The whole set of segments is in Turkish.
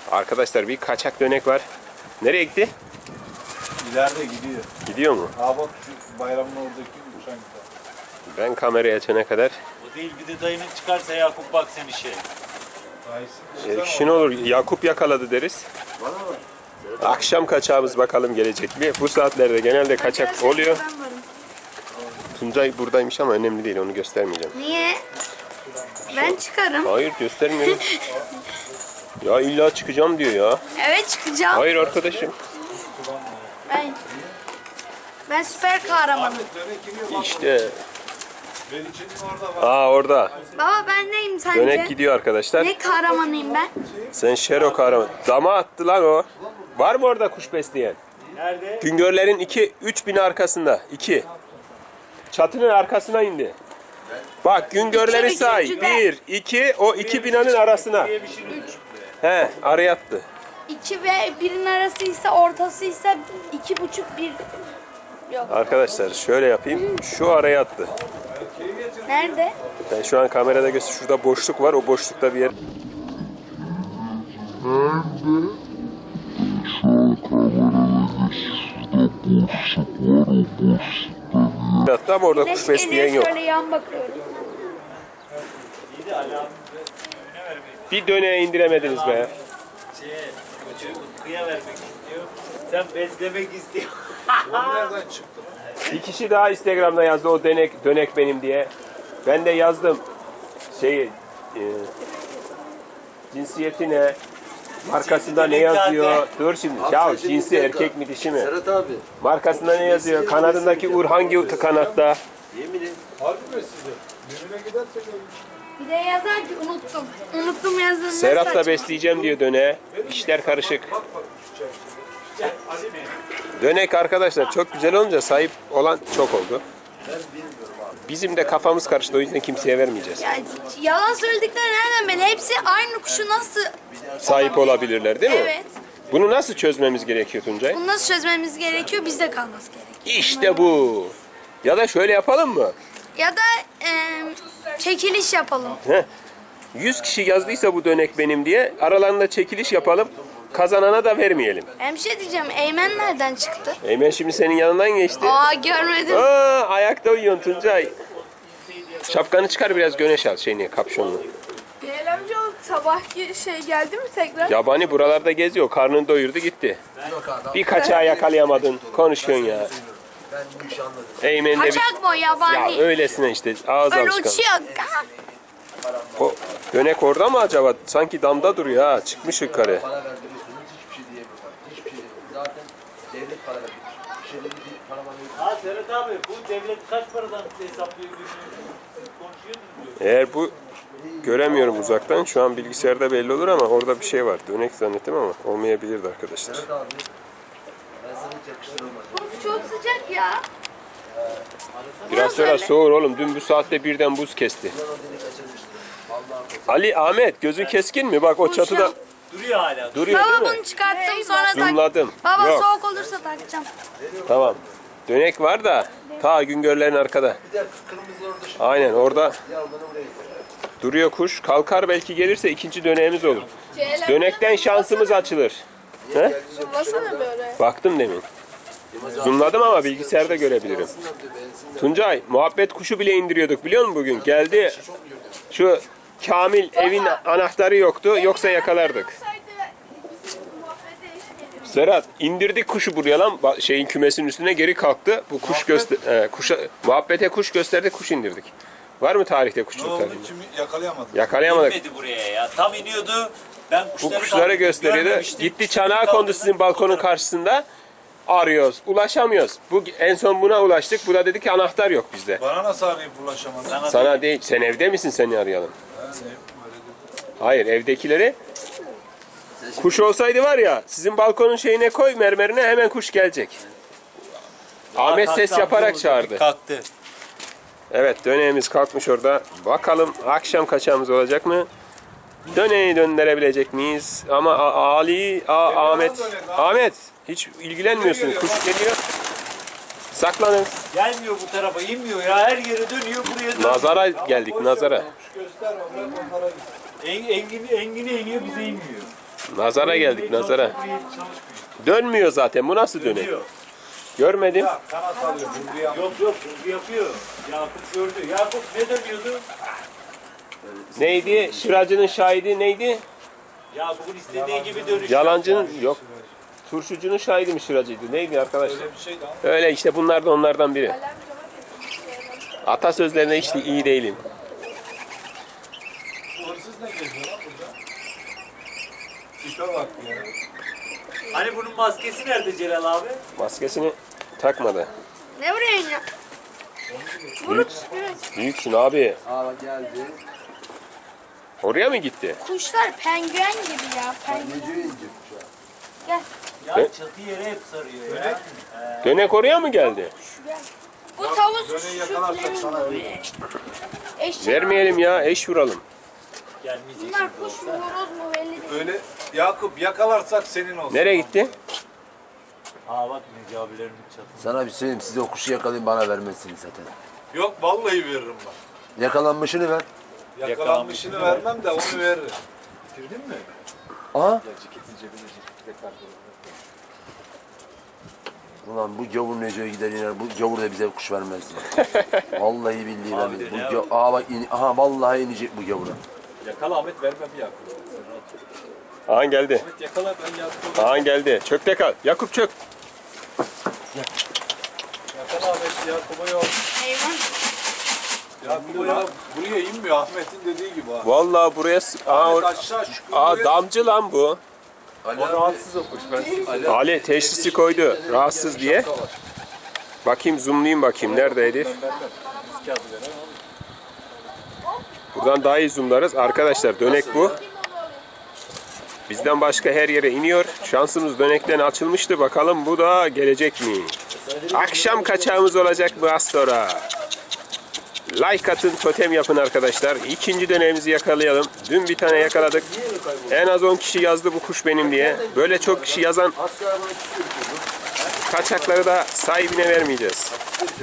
Arkadaşlar bir kaçak dönek var. Nereye gitti? İleride gidiyor. Gidiyor mu? Aa bak şu bayramın oradaki uçan gidiyor. Ben kamerayı açana kadar. O değil, bir de dayının çıkarsa Yakup bak sen işe. Şun olur, Yakup yakaladı deriz. Akşam kaçağımız bakalım gelecek mi? Bu saatlerde genelde kaçak oluyor. Tuncay buradaymış ama önemli değil, onu göstermeyeceğim. Niye? Ben çıkarım. Hayır, göstermiyorum. Ya illa çıkacağım diyor ya. Evet çıkacağım. Hayır arkadaşım. Ben süper kahramanım. İşte. Aa orada. Baba ben neyim sence? Dönek gidiyor arkadaşlar. Ne kahramanıyım ben? Sen Şero kahraman. Dama attı lan o. Var mı orada kuş besleyen? Nerede? Güngörlerin 3 bin arkasında. 2. Çatının arkasına indi. Bak güngörleri İki, say. üçüncü 1, 2, o 2 binanın arasına. He, araya attı. 2 ve 1'in arasıysa ortasıysa 2,5 1. Yok. Arkadaşlar şöyle yapayım. Şu araya attı. Nerede? Ben şu an kamerada göster. Şurada boşluk var. O boşlukta bir yer. Hatta ama orada kuş besleyen yok. Şöyle yan bakıyorum. İyi de Ali abim önüne vermek. Bir döneğe indiremediniz be. Kıya vermek istiyor. Sen beslemek istiyorsun. Nereden çıktı? Bir kişi daha Instagram'da yazdı o dönek benim diye. Ben de yazdım. Cinsiyeti ne? Markasında ne yazıyor? Dur şimdi. Ya cinsi erkek mi dişi mi? Serhat abi. Markasında ne yazıyor? Kanadındaki ur hangi kanatta? Yemin Harbi mi size? Düğüne gidersek Bir de yazar ki unuttum. Unuttum yazdığını. Serhat da besleyeceğim diyor döneğe. İşler karışık. Dönek arkadaşlar çok güzel olunca sahip olan çok oldu. Bizim de kafamız karıştı, o yüzden kimseye vermeyeceğiz. Ya, yalan söyledikleri nereden belli? Hepsi aynı kuşu nasıl... Sahip olabilirler değil mi? Evet. Bunu nasıl çözmemiz gerekiyor Tuncay? Bunu nasıl çözmemiz gerekiyor? Bizde kalması gerekiyor. İşte bu. Ya da şöyle yapalım mı? Ya da çekiliş yapalım. 100 kişi yazdıysa bu dönek benim diye aralarında çekiliş yapalım. Kazanana da vermeyelim. Hem şey diyeceğim, Eymen nereden çıktı? Eymen şimdi senin yanından geçti. Aa görmedim. Aa, ayakta uyuyorsun Tuncay. Şapkanı çıkar biraz güneş al kapşonlu. Bilal amca o sabahki geldi mi tekrar? Yabani buralarda geziyor. Karnını doyurdu gitti. Bir kaçağı yakalayamadın. Konuşuyorsun ya. ben bu işi anladım. Eymen'de bir... Kaçak mı o yabani? Ya öylesine işte ağız Öyle alışkanlığı. uçuyor. O dönek orada mı acaba? Sanki damda duruyor ha. Çıkmış yukarı. Para verdiriyorsunuz hiçbir şey diyemiyorum. Hiçbir şey diyemiyorum. Zaten devlet para veriyor. Bir şeyleri bir para veriyor. Ha Serhat abi, bu devlet kaç paradan hesaplıyor günlüğünü? Siz konuşuyordunuz diyor. Eğer bu göremiyorum uzaktan. Şu an bilgisayarda belli olur ama orada bir şey var. Dönek zannettim ama olmayabilirdi arkadaşlar. Serhat abi. Ben sana hiç yakıştıramadım. Buz çok sıcak ya. Biraz sonra soğur oğlum. Dün bu saatte birden buz kesti. Ali, Ahmet gözün keskin mi? Bak o çatıda Duruyor hala. duruyor değil Baba mi? bunu çıkarttım sonra tak. Zoomladım. Baba Yok. soğuk olursa takacağım. Tamam. Dönek var da ta Güngörlerin arkada. Bir de kırmızı orada şu Aynen orada yavrularını oraya gidiyor. duruyor kuş. Kalkar belki gelirse ikinci döneğimiz olur. Dönekten şansımız açılır. He? Zoomlasana böyle. Baktım demin. Zoomladım ama bilgisayarda görebilirim. Tuncay muhabbet kuşu bile indiriyorduk biliyor musun bugün? Geldi şu Kamil evin anahtarı yoktu yoksa yakalardık. Serhat indirdik kuşu buraya lan şeyin kümesinin üstüne geri kalktı. Bu kuş muhabbete kuş gösterdi kuş indirdik. Var mı tarihte ne kuşçuluk oldu? tarihi? Kim yakalayamadı? Yakalayamadık. İnmedi buraya ya. Tam iniyordu. Ben Bu kuşları gösteriyordu. görmemiştim. Gitti çanağa kondu sizin balkonun karşısında. Arıyoruz. Ulaşamıyoruz. En son buna ulaştık. Bu da dedi ki anahtar yok bizde. Bana nasıl arayıp ulaşamadı? Sana değil. Sen evde misin seni arayalım? Hayır evdekileri. Kuş olsaydı var ya sizin balkonun şeyine koy mermerine hemen kuş gelecek. Ahmet Kalktı, ses yaparak kalktı, çağırdı. Kalktı. Evet döneğimiz kalkmış orada. Bakalım akşam kaçağımız olacak mı? Döneği döndürebilecek miyiz? Ama Ahmet hiç ilgilenmiyorsun. Kuş geliyor. Saklanın. Gelmiyor bu tarafa, inmiyor ya. Her yere dönüyor, buraya dönüyor. Nazara geldik nazara. Göster onlara git. Engine iniyor, bize inmiyor. Nazara geldik nazara. Dönmüyor zaten. Bu nasıl dönüyor? Dönüyor. Görmedim. Ya kanat alıyor. Hüngü yapıyor. Yok hızlı yapıyor. Yakup gördü. Yakup ne dönüyordu? Neydi? Şıracının şahidi neydi? Yakup'un istediği gibi dönüş. Yalancının yok. Turşucunun şahidi mi şıracıydı? Neydi arkadaşlar? Öyle bir şeydi ama. Öyle işte bunlar da onlardan biri. Atasözlerine hiç de iyi değilim. Bu hırsız ne geziyor lan burada? Tipe bak ya. Hani bunun maskesi nerede Celal abi? Maskesini takmadı. Ne vuruyorsun ya? Büyüksün abi. Aa bak geldi. Oraya mı gitti? Kuşlar penguen gibi ya. Penguen. Nece ince şu an. Gel. Ya Evet. çatı yere hep sarıyor ya. Dönek oraya mı geldi? Bu tavus Döneyi yakalarsak sana verir. eşek. Vermeyelim ya, eş vuralım. Gelmeyecek. Bunlar kuş mu horoz mu belli değil. Öyle Yakup yakalarsak senin olsun. Nereye gitti? Aa bak Necati abilerin çatısı. Sana bir söyleyeyim, size o kuşu yakalayayım, bana vermezsiniz zaten. Yok vallahi veririm bak. Yakalanmışını ver. Yakalanmışını vermem de onu veririm. Aha. Ulan bu gavur Neco'ya gider iner, bu gavur da bize kuş vermez. Vallahi billahi vermez. Bu aa bak, aha vallahi inecek bu gavura. Yakala Ahmet vermem Yakup. Ağan geldi. Ahmet yakala ben Yakup'u. Ağan geldi. Çökte kal. Yakup çök. Yakala Ahmet Yakup'a yok. Hayvan. Yakup ya buraya inmiyor Ahmet'in dediği gibi ha. Vallahi buraya... Ahmet Aa, aşağı şu damcı lan bu. Ali O rahatsız o kuş. Ben Ali teşhisi koydu. Rahatsız diye. Bakayım zoomlayayım bakayım. Neredeydi? vermem. Biz kağıdı veren olur. Buradan daha iyi zoomlarız. Arkadaşlar dönek bu. Bizden başka her yere iniyor. Şansımız dönekten açılmıştı. Bakalım bu da gelecek mi? Akşam kaçağımız olacak bu az sonra. Like atın, totem yapın arkadaşlar. İkinci dönemimizi yakalayalım. Dün bir tane yakaladık. En az 10 kişi yazdı bu kuş benim diye. Böyle çok kişi yazan kaçakları da sahibine vermeyeceğiz.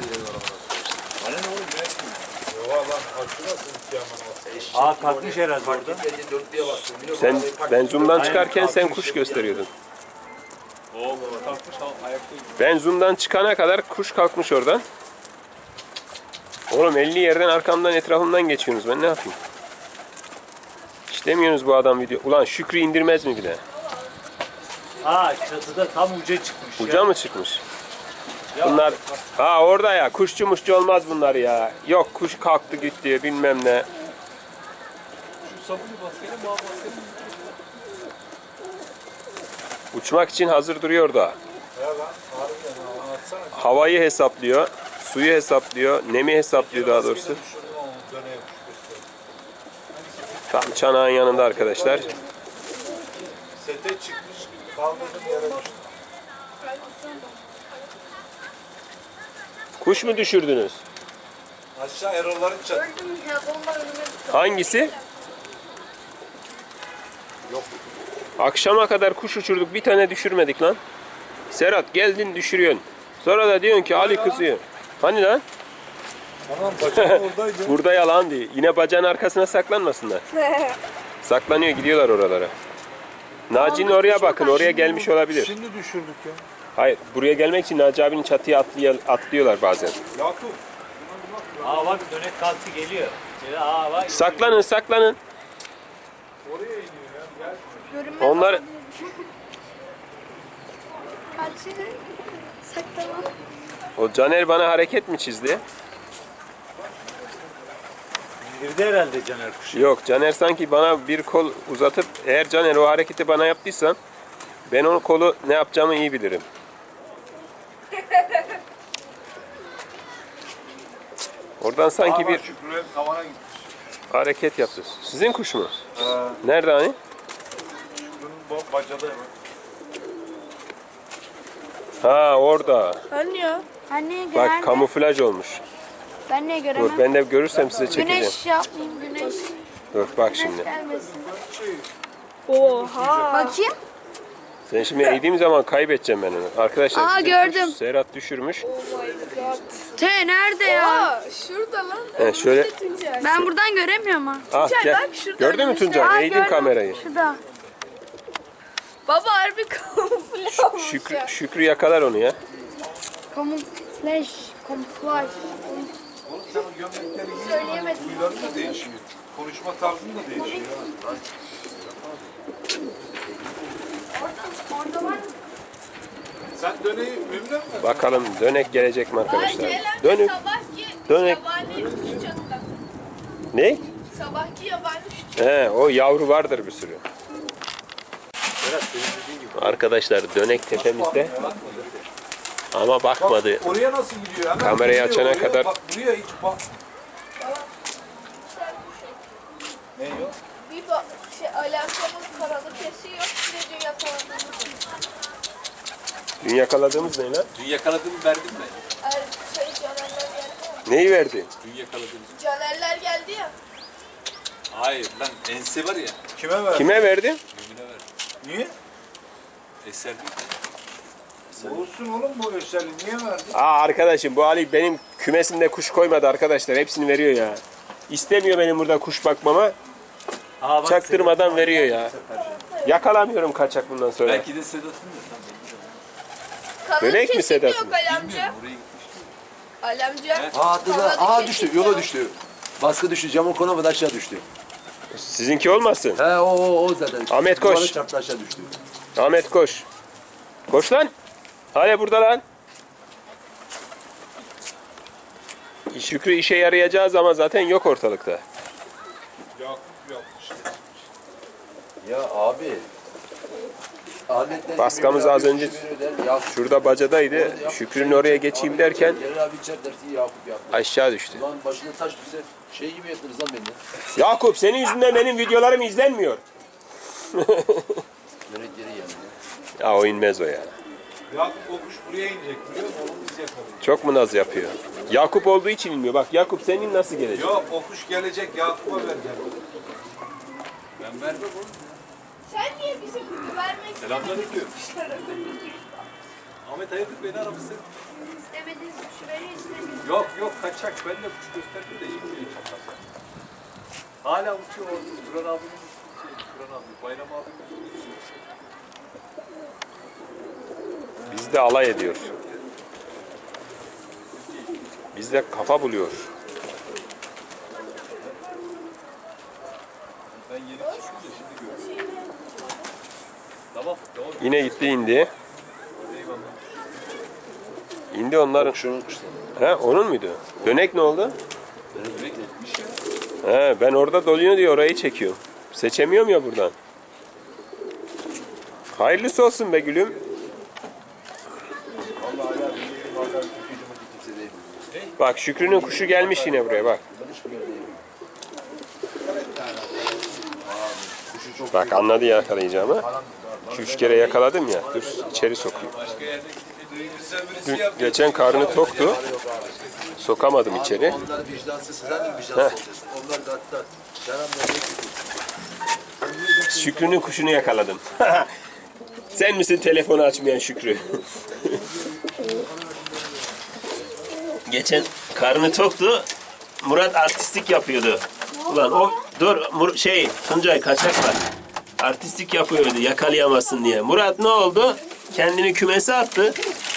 Aa kalkmış herhalde orada. Ben zoom'dan çıkarken sen kuş gösteriyordun. Oo kalkmış ayaktayım. Ben zoom'dan çıkana kadar kuş kalkmış oradan. Oğlum 50 yerden arkamdan etrafımdan geçiyorsunuz. Ben ne yapayım? İşlemiyorsunuz bu adam video. Ulan Şükrü indirmez mi bir de? Aa çatıda tam uca çıkmış Uca ya. mı çıkmış? Bunlar... Ha orada ya. Kuşçu muşçu olmaz bunlar ya. Yok kuş kalktı gitti bilmem ne. Şu sabunu baskenin bağ baskenin. Uçmak için hazır duruyor da. Ya lan harbiden ha, anlatsana. Havayı hesaplıyor. Suyu hesaplıyor. Nemi hesaplıyor daha doğrusu. Şunu döne yapıştır. Tam çanağın yanında arkadaşlar. Sete çıkmış kaldırdım yere düştü. Kuş mu düşürdünüz? Aşağı Erol'ların çatı. Öldüm ya bomba önüme. Hangisi? Akşama kadar kuş uçurduk. Bir tane düşürmedik lan. Serhat geldin düşürüyorsun. Sonra da diyorsun ki Ali kızıyor. Hani lan? Tamam bacağım oradaydı. Burada yalan değil. Yine bacağın arkasına saklanmasınlar. Saklanıyor gidiyorlar oralara. Naci'nin oraya bakın. Oraya gelmiş olabilir. Şimdi düşürdük ya. Hayır. Buraya gelmek için Naci abinin çatıya atlıyorlar bazen. Yakup. Aa bak dönek kalktı geliyor. Aa bak. Saklanın saklanın. Oraya iniyor ya. Gel. Görünmez. Onlar Kaçını saklamam. o Caner bana hareket mi çizdi? İndirdi herhalde Caner kuşu. Yok Caner sanki bana bir kol uzatıp eğer Caner o hareketi bana yaptıysan ben o kolu ne yapacağımı iyi bilirim. Oradan sanki bir Şükrü'nün tavana gitmiş. hareket yaptı. Sizin kuş mu? Ha, Nerede hani? Şükrü'nün bacada hemen. Ha orada. Ölmüyor. Anne Bak nerede? kamuflaj olmuş. Ben niye Dur göremem? ben de görürsem size çekeceğim. Güneş yapmayayım güneş. Dur bak şimdi. Gelmesin. Oha. Bakayım. Sen şimdi eğdiğim zaman kaybedeceğim ben onu. Arkadaşlar Aa, bizim gördüm. kuş Serhat düşürmüş. Te nerede ya? Aa, şurada lan. He, şöyle Tuncay. Ben buradan göremiyorum ha. ah gel. bak, şuradan Gördün mü güneş- Tuncay? Eğdim gördüm. kamerayı. Şurada. Baba harbi kamufle olmuş ya. Şükrü yakalar onu ya. Kamuflaj. Kamuflaj. Oğlum sen o gömlekleri giyin. Söyleyemedim. Huyların da değişiyor. Konuşma tarzın da değişiyor. Orada var mı? Sen döneyi Mümine mi? Bakalım dönek gelecek mi arkadaşlar? Dönük. Sabahki Dönek. yabani üç çatla. Ne? Sabahki yabani üç. He, o yavru vardır bir sürü. Arkadaşlar dönek tepemizde ama bakmadı. Oraya nasıl gidiyor? Hemen Kamerayı gidiyor açana oraya. kadar- Bak buraya hiç bak. Ne yok? Bir alakamız karalı kesiyor. Bir de dünya kalanımız. Dün yakaladığımız ne lan? Dün yakaladığımı verdim mi? Canerler geldi ya. Neyi verdi? Dün yakaladığımız. Canerler geldi ya. Hayır lan ense var ya. Kime ver? Kime verdi? Mümine verdim. Niye? Eser değil. Olsun oğlum bu eşyali. Niye verdin? Aa arkadaşım bu Ali benim kümesimde kuş koymadı arkadaşlar. Hepsini veriyor ya. İstemiyor benim burada kuş bakmama. Aa, bak, Çaktırmadan veriyor ya. Yakalamıyorum kaçak bundan sonra. belki de Sedat'ın da. Kanal Dönek mi kesim Sedat yok mı? Ali amca. Buraya gitmiş. Ali amca. Aa düştü, yola düştü. Baskı düştü, camın konamadı aşağı düştü. Sizinki olmasın. He o zaten. Ahmet koş. Duvara çarptı aşağı düştü. Ahmet koş. Koş lan. Hala burada lan. Şükrü işe yarayacağız ama zaten yok ortalıkta. Yok yok işte. Ya abi. Ahmet'ten Baskamız az önce Ya şurada bacadaydı. Şükrü'nün oraya geçeyim derken Celal abi içer dersi Yakup Yakup. aşağı düştü. Lan başına taş düşse şey gibi yaptınız lan beni. Yakup senin yüzünden benim videolarım izlenmiyor. Yönet geri geldi. Ya o inmez o ya. Yakup o kuş buraya inecek biliyor musun? Onu biz yakalayacağız. Çok mu naz yapıyor? Yakup olduğu için inmiyor. Bak Yakup senin nasıl gelecek? Yok o kuş gelecek Yakup'a vereceğim. Ben vermem oğlum. Sen niye bize vermek Selamünaleyküm. istemedin? Ahmet hayırdır beni aramışsın. İstemediniz, şu beni istemediniz. Yok yok kaçak. Ben de kuş gösterdim de inmiyor çapraz. Hala uçuyor orada. Turan abinin Turan abi. Bayram abinin uçuyor. Bizde alay ediyor. Bizde kafa buluyor. Ben yeni çıktım da şimdi gördüm. Tamam. Tamam. Yine gitti indi. Eyvallah. İndi onların. Şunun kuşları. He onun muydu? Dönek ne oldu? Direkt gitmiş ya. He ben orada doluyor diye orayı çekiyorum. Seçemiyorum ya buradan. Hayırlısı olsun be gülüm. Vallahi ya benim bazen Türkiye'cime kimse değil. Bak Şükrü'nün kuşu gelmiş yine buraya bak. Ben hiç bilmiyorum. Kuşu çok Bak anladı yakalayacağımı. Şu 3 kere yakaladım ya. Dur içeri sokayım. Başka yerde gidince duygusal birisi Dün, yapıyor. geçen karnı toktu. Sokamadım içeri. Onlar vicdansız, sen de vicdansız olacaksın. Onlar da hatta Şaram Şükrü'nün kuşunu yakaladım. Sen misin telefonu açmayan Şükrü? Geçen karnı toktu. Murat artistik yapıyordu. Ulan o dur Tuncay kaçak var. Artistik yapıyordu yakalayamazsın diye. Murat ne oldu? Kendini kümese attı.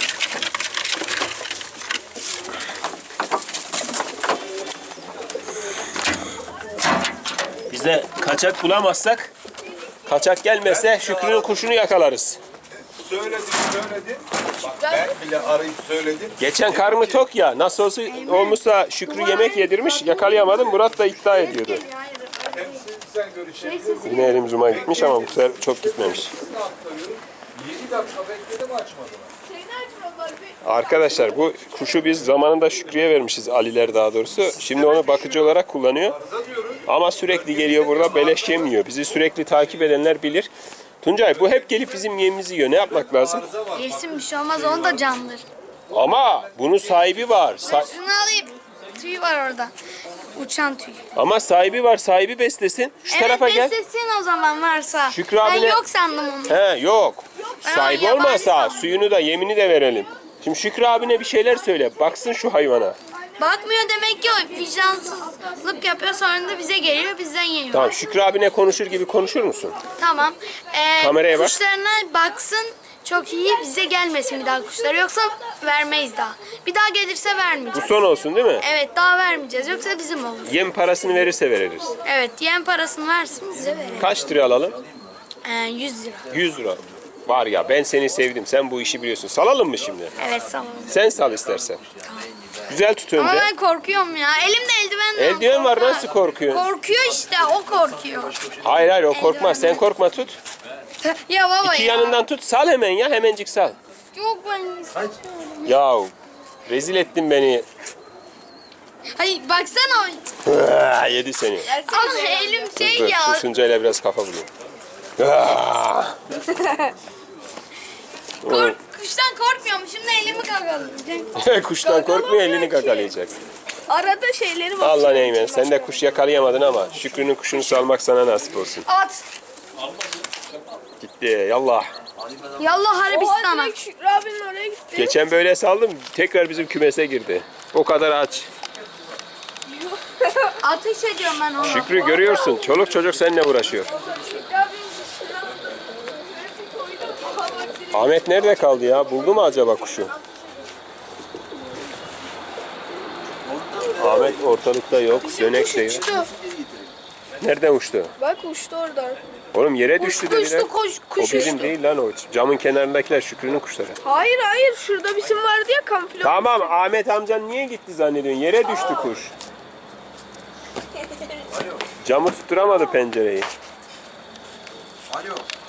Biz de kaçak bulamazsak, kaçak gelmezse Şükrü'nün kuşunu yakalarız. Söyledim. Bak ben bile arayıp söyledim. Geçen karnı tok ya. Nasıl olmuşsa Şükrü yemek yedirmiş. Yakalayamadım. Murat da iddia ediyordu. Hepsini sen görüşebilirsin. Yine elim zoom'a gitmiş ama bu sefer çok gitmemiş. 7 dakika bekledim açmadılar. Şeyini açmadılar bir. Arkadaşlar bu kuşu biz zamanında Şükrü'ye vermişiz. Aliler daha doğrusu. Şimdi onu bakıcı olarak kullanıyor. Arıza diyorum. Ama sürekli geliyor burada beleş yemiyor. Bizi sürekli takip edenler bilir. Tuncay bu hep gelip bizim yemimizi yiyor. Ne yapmak lazım? Arıza var. Yesin bir şey olmaz, onu da candır. Ama bunun sahibi var. Şunu alayım. Tüy var orada. Uçan tüy. Ama sahibi var. Sahibi beslesin. Şu tarafa gel. beslesin o zaman varsa. Şükrü Ben abine- yok sandım onu. He yok. Ben Sahibi yabani olmasa sandım. suyunu da yemini de verelim. Şimdi Şükrü abine bir şeyler söyle. Baksın şu hayvana. Anne Bakmıyor demek ki o vicdansızlık yapıyor sonra da bize geliyor bizden yiyor. Tamam Şükrü abine konuşur gibi konuşur musun? Tamam. Kameraya bak. Kuşlarına baksın çok iyi bize gelmesin bir daha kuşları yoksa vermeyiz daha. Bir daha gelirse Bu vermeyeceğiz. son olsun değil mi? Evet daha vermeyeceğiz yoksa bizim olur. Yem parasını verirse veririz. Evet yem parasını versin bize verelim. Kaç lira alalım? 100 lira. 100 lira. Var ya ben seni sevdim. Sen bu işi biliyorsun. Salalım mı şimdi? Evet tamam. Sen sal istersen. Güzel tut önce. Ama ben korkuyorum ya. Elimde eldiven var. Eldiven var, korkuyorum. nasıl korkuyorsun? Korkuyor işte o korkuyor. Hayır o korkmaz. Sen korkma tut. Ya baba İki ya. yanından tut. Sal hemen ya. Hemencik sal. Yok ben. Yahu rezil ettin beni. Hayır baksana. Yedi seni. Ama elim şey Dur, ya. Tusuncayla biraz kafa buluyor. Kuştan korkmuyorum. Şimdi elimi kakalayacak. Kuştan korkmuyor elini kakalayacak. Arada şeyleri var. Allah neymen sen de kuş yakalayamadın ama Şükrü'nün kuşunu salmak sana nasip olsun. At. Gitti yallah. Yallah Arabistan'a. direkt Şükrü abinin oraya gitti. Geçen böyle saldım tekrar bizim kümese girdi. O kadar aç. Ateş ediyorum ben ona. Şükrü görüyorsun çoluk çocuk seninle uğraşıyor. Şükrü abinin dışına bir koydum. Aha bak direkt. Ahmet nerede kaldı ya? Buldu mu acaba kuşu? Ahmet ortalıkta yok. Dönek de yok. Uçtu. Nereden uçtu? Bak uçtu oradan. Oğlum yere düştü dediler. Kuş O bizim uçtu. değil lan o. Camın kenarındakiler Şükrü'nün kuşları. Hayır şurada bizim vardı ya kamufle. Tamam Ahmet amcan niye gitti zannediyorsun? Yere düştü kuş. Camı tutturamadı pencereyi. Alo.